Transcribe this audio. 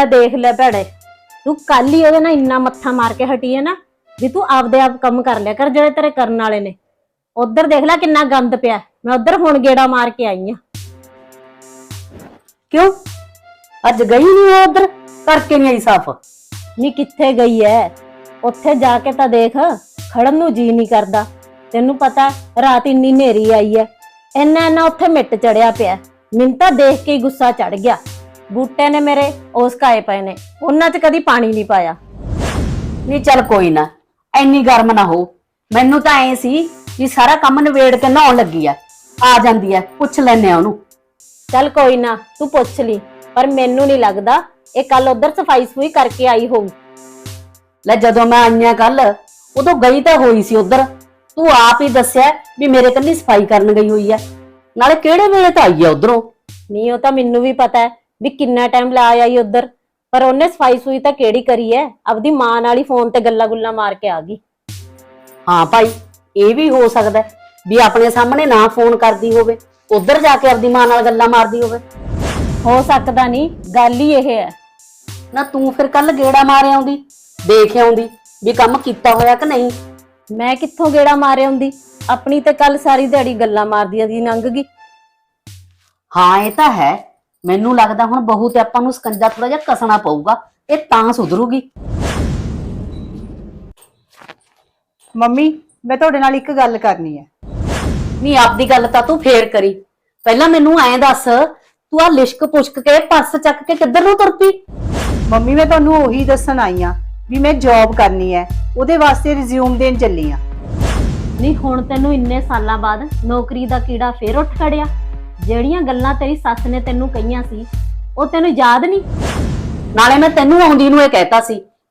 देख ले भैड़े, तू कल ही ओदे नाल इन्ना मत्था मार के हटी है ना भी तू आपदे आप कम कर लिया कर जेड़े तेरे करन वाले ने। उधर देख ले किन्ना गंद पिया, मैं उधर हुण गेड़ा मार के आई हां। क्यों अज गई नहीं उधर करके नहीं आई साफ? नी कित्थे गई है, उत्थे जाके तां देख खड़न नूं जी नहीं करदा। तेनू पता रात इन्नी नेरी आई है, इन्ना इन्ना उत्थे मिट चढ़िया पिया। मैनूं तां देख के ही गुस्सा चढ़ गया। बूटे ने मेरे ओस काए पे ने, उन्हां च कदी पानी नहीं पाया। नहीं चल कोई ना, एनी गर्म ना हो। मैनू तां ऐ सी कि सारा काम नवेड़ के नहाउण लगी आ जांदी है, पुछ लैने ओनू। चल कोई ना तू पुछ ली, पर मैनू नहीं लगदा ये कल उधर सफाई सफूई करके आई होऊ। ले जदों मैं आईया कल उदों गई तां होई सी उधर, तू आप ही दस्सिया भी मेरे कल्ली सफाई करन गई हुई है, नाले किहड़े वेले तां आई है उधरों। नहीं वो तां मैनू भी पता है भी किन्ना टाइम ला आई उधर, पर उन्हें सफाई सुई तां केड़ी करी है, अपनी मां नाल ही फोन ते गल्ला गुल्ला मार के आ गई। हाँ भाई ये भी हो सकता है भी अपने सामने ना फोन करदी होवे, उधर जाके अपनी मां नाल गल्ला मारदी होवे। हो सकदा नहीं, गल ही यह है ना तू फिर कल गेड़ा मारे आउंदी, देख आउंदी भी काम कीता होया कि नहीं। मैं कित्थों गेड़ा मारे आउंदी, अपनी ते कल सारी दिहाड़ी गल्ला मारदी दी लंघ गई। हाँ ये तो है, मैनू लगदा हुण बहू ते आपां नूं ਸਕੰਜਾ थोड़ा जिहा कसना पऊगा, ये तां सुधरूगी। ਮੰਮੀ मैं ਤੁਹਾਡੇ ਨਾਲ ਇੱਕ ਗੱਲ ਕਰਨੀ ਹੈ। नहीं आपदी गल तां तू फेर करी, पहला मैनू ऐ दस तू आ लिश्क पुछक के पर्स चक के किधर नूं तुर पई? ਮੰਮੀ मैं ਤੁਹਾਨੂੰ ਉਹੀ ਦੱਸਣ ਆਈ ਆ ਵੀ ਮੈਂ ਜੌਬ ਕਰਨੀ ਹੈ, ਉਹਦੇ ਵਾਸਤੇ ਰਿਜ਼ਿਊਮ ਦੇਣ ਚੱਲੀ ਆ। नहीं हुण तैनू इन्ने सालां बाद नौकरी दा कीड़ा फेर उठ खड़िया। ਜਿਹੜੀਆਂ ਗੱਲਾਂ ਤੇਰੀ ਸੱਸ ਨੇ ਤੈਨੂੰ ਕਹੀਆਂ ਸੀ ਉਹ ਤੈਨੂੰ ਯਾਦ ਨਹੀਂ? नाले मैं तैनू आउंदी नूं ਇਹ कहता सी